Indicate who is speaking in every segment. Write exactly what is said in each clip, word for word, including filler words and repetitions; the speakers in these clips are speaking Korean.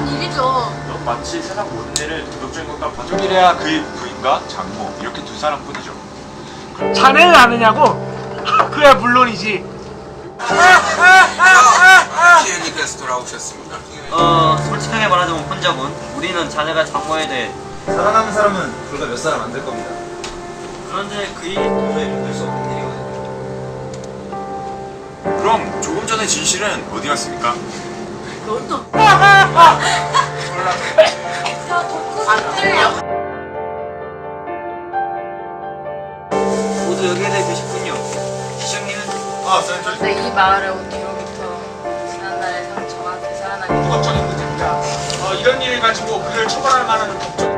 Speaker 1: 당연한 일이죠.
Speaker 2: 넌 마치 세상 모든 일을 도덕적인 것과 반쪽이래야 그의 부인과 장모 이렇게 두 사람뿐이죠.
Speaker 3: 자네는 아느냐고? 그야 물론이지.
Speaker 4: 시애니께서 돌아오셨습니다.
Speaker 5: 어, 솔직하게 말하자면 혼자군. 우리는 자네가 장모에 대해
Speaker 6: 살아남은 사람은 불과 몇 사람 안 될 겁니다.
Speaker 5: 그런데 그 일이 도저히 믿을 수 없는 일이거든요.
Speaker 2: 그럼 조금 전에 진실은 어디 갔습니까?
Speaker 1: 넌 또. 안 들려.
Speaker 5: 모두 여기에 대해 계셨군요. 시장님은
Speaker 6: 아, 쌤,
Speaker 1: 네, 이 마을을 온 뒤로부터 지난날의 상처가 되살아나게
Speaker 3: 도덕적인 문제입니다. 어, 이런 일을 가지고 그를 처벌할 만한 법적.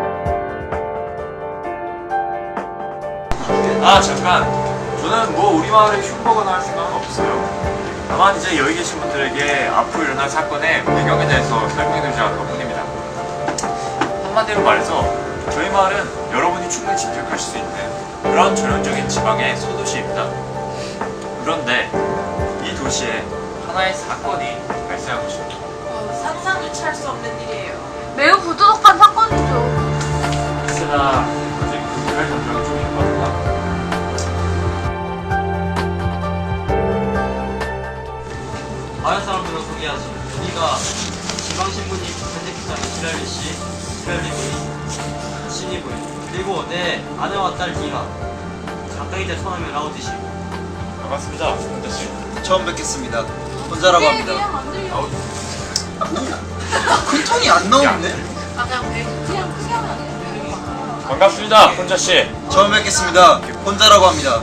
Speaker 2: 아 잠깐, 저는 뭐 우리 마을에 흉보거나 할 생각은 없어요. 다만 이제 여기 계신 분들에게 앞으로 일어날 사건의 배경에 대해서 설명해드리자 할 것뿐입니다. 한마디로 말해서 저희 마을은 여러분이 충분히 짐작하실 수 있는 그런 전형적인 지방의 소도시입니다. 그런데 이 도시에 하나의 사건이 발생한 것입니다.
Speaker 1: 어, 상상조차 할 수 없는 일이에요. 매우 부도덕한 사건이죠.
Speaker 2: 혹시나 아직 구별 감정이 좀 있는 것 같다.
Speaker 5: 마을 사람들을 소개하지. 여기가 지방신부님 편집부장인 시랄리 씨, 시랄리 부인, 신이 부인, 그리고 내 아내와 딸 디가, 가까이 대 처음에 라우디 씨.
Speaker 2: 반갑습니다, 혼자 씨.
Speaker 6: 처음 뵙겠습니다. 혼자라고 합니다. 큰 톤이 안 나오는데?
Speaker 1: 아, 그냥 배 그냥 크게 하면 안 돼요.
Speaker 2: 반갑습니다, 혼자 씨.
Speaker 6: 처음 뵙겠습니다. 혼자라고 합니다.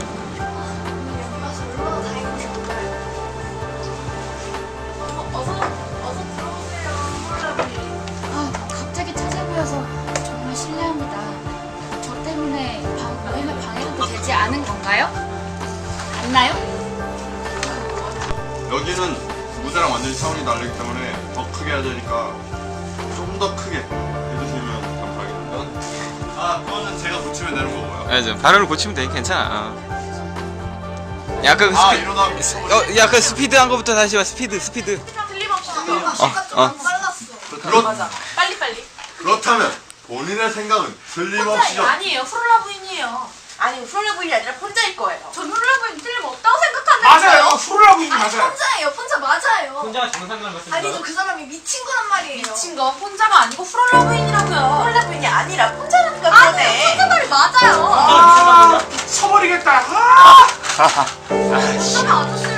Speaker 7: 아, 갑자기 찾아뵈어서 정말 실례합니다. 저 때문에 방, 모임에 방해도 되지 않은 건가요? 맞나요?
Speaker 8: 여기는 무대랑 완전히 차원이 다르기 때문에 더 크게 해야 되니까 좀 더 크게 해주시면 감사하겠습니다. 아, 그거는 제가 붙이면 되는 거고요.
Speaker 9: 맞아, 발음을 고치면 돼. 괜찮아. 야, 그
Speaker 8: 아,
Speaker 9: 스피,
Speaker 8: 이러다 미스.
Speaker 9: 어, 야, 그 스피드 한 거부터 다시 와. 스피드, 스피드.
Speaker 1: 틀림없이
Speaker 9: 어, 어.
Speaker 8: 그렇,
Speaker 1: 맞아. 빨리 빨리.
Speaker 8: 그렇다면 본인의 생각은 틀림없이죠.
Speaker 1: 아니에요. 프롤라 부인이에요.
Speaker 10: 아니, 프롤라 부인이 아니라 폰자일 거예요.
Speaker 1: 전 프롤라 부인 틀림없다고 생각하는데요.
Speaker 3: 맞아요. 프로라고 있는 맞아요.
Speaker 10: 혼자예요, 혼자 맞아요.
Speaker 5: 혼자가 정상관 같습니다.
Speaker 10: 아니죠, 그 사람이 미친 거란 말이에요.
Speaker 1: 미친 거 혼자가 아니고 프롤라 부인이라고요.
Speaker 10: 프롤라 부인이 아니라 폰자라니까
Speaker 1: 아니,
Speaker 10: 그러네.
Speaker 1: 혼자 말이 맞아요.
Speaker 3: 아, 쳐버리겠다. 아!
Speaker 1: 혼자가 아저씨